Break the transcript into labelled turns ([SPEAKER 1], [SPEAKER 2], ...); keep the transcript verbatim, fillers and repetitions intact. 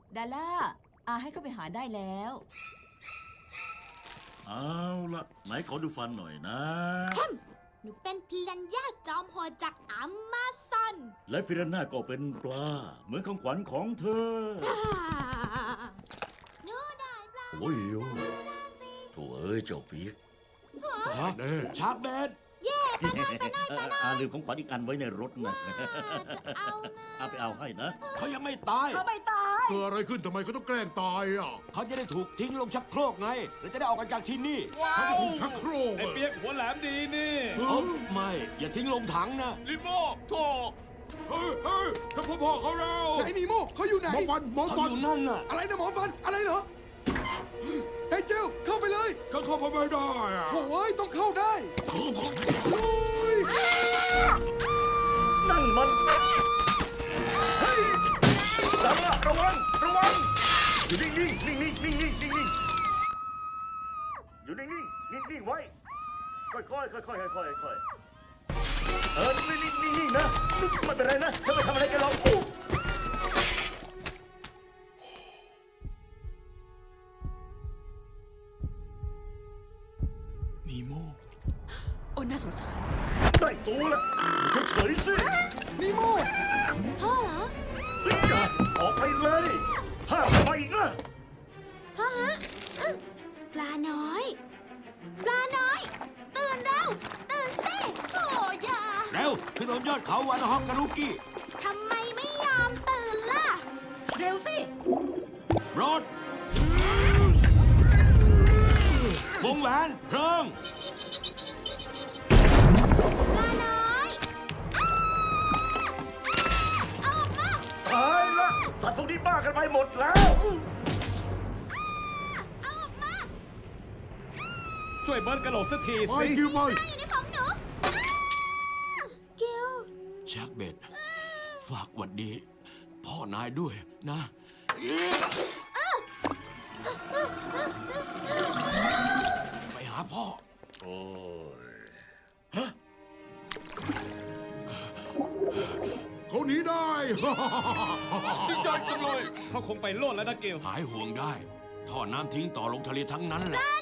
[SPEAKER 1] ดาล่าอาให้เข้าไปหาได้แล้ว
[SPEAKER 2] เอาละไหนขอดูฟันหน่อยนะ
[SPEAKER 3] หนูเป็นพิรันย่าจอมโหดจากอเมซอน
[SPEAKER 2] และพิรันน่าก็เป็นปลา เหมือนของขวัญของเธอ
[SPEAKER 3] หนูได้ปลา
[SPEAKER 2] โอ้ยโอ้โถ่เอ้ยเจ้าปีก
[SPEAKER 4] ฮะชาร์กแมน
[SPEAKER 3] เย่ไปหน่อยไปหน่อยไปหน่อย
[SPEAKER 2] อาลืมของขวัญอีกอันไว้ในรถนะ
[SPEAKER 3] จะเอานะ
[SPEAKER 2] อาไปเอาให้นะ
[SPEAKER 4] เขายังไม่ตาย
[SPEAKER 1] เขาไม่ตาย
[SPEAKER 5] เกิดอะไรขึ้นทำไมเขาต้องแกล้งตายอ่ะ
[SPEAKER 4] เขาจะได้ถูกทิ้งลงชักโครกไงแล้วจะได้ออกกันจากที่นี่
[SPEAKER 5] เขาจะถูกชักโครก
[SPEAKER 6] ไอ้
[SPEAKER 5] อะ
[SPEAKER 6] เปียกหัวแหลมดีนี่
[SPEAKER 5] เอ
[SPEAKER 4] เอ้า
[SPEAKER 5] อ
[SPEAKER 4] ไม่ อย่าทิ้งลงถังนะ
[SPEAKER 6] ลิโมโถ
[SPEAKER 4] เฮ้ยเฮ้ยถ้าพ่อพ่อเขาแล้ว
[SPEAKER 7] ไหนนีโมเขาอยู่ไหน
[SPEAKER 5] หมอฟันหมอ
[SPEAKER 4] เขา
[SPEAKER 5] ฟั
[SPEAKER 4] อน ยู่นั่นน่ะ
[SPEAKER 7] อะไรนะหมอฟัน อะไรเหรอไอ้เจลเข้าไปเลย
[SPEAKER 4] เขาเข้าไปไม่ได้อะ
[SPEAKER 7] โถ่เอ้ยต้องเข้าได้ลุย
[SPEAKER 2] นั่นมันเฮ้ยดาล่าระวังระวังอยู่นิ่งนิ่งนิ่งนิ่งนิ่งนิ่งนิ่งนิ่งอยู่นิ่งนิ่งนิ่งนิ่งไว้ค่อยค่อยค่อยค่อยค่อยค่อยเออนิ่งนิ่งนิ่งนิ่งนะไม่เป็นไรนะฉันไม่ทำอะไรกันหรอกอู้
[SPEAKER 7] นีโม
[SPEAKER 1] โอ้น่าสงสาร
[SPEAKER 2] ได้ตัวแล้วเฉยๆสิ
[SPEAKER 7] นีโม
[SPEAKER 3] พ่อเหรอ
[SPEAKER 2] เฮ้ยอย่าออกไปเลยห้ามไปอีกนะ
[SPEAKER 3] พ่อฮะอื้อปลาน้อย ปลาน้อย ตื่นเร็วตื่นสิโถอย่า
[SPEAKER 4] เร็วขึ้นบนยอดเขาวันฮอกการุกี้
[SPEAKER 3] ทำไมไม่ยอมตื่นล่ะ
[SPEAKER 1] เร็วสิ
[SPEAKER 4] รถวงแหวนเพลิง
[SPEAKER 3] ปลาน้อยอ้าอ้าออกมา
[SPEAKER 2] ตายละสัตว์พวกนี้บ้ากันไปหมดแล้ว
[SPEAKER 3] เอาออกมา
[SPEAKER 6] ช่วยเบิร์ดกระโหลกสักที
[SPEAKER 5] ไป
[SPEAKER 6] สิ
[SPEAKER 5] คิวไป
[SPEAKER 3] อยู่ในของหนูอ้ากิล
[SPEAKER 4] ชักเบ็ด ฝากหวัดดี พ่อนายด้วยนะ ไปหาพ่อ
[SPEAKER 2] โอ้ย
[SPEAKER 5] เขาหนีได้
[SPEAKER 6] ดีใจจังเลย เขาคงไปโลดแล้วนะเกล
[SPEAKER 4] หายห่วงได้ ท่อน้ำทิ้งต่อลงทะเลทั้งนั้นแหละ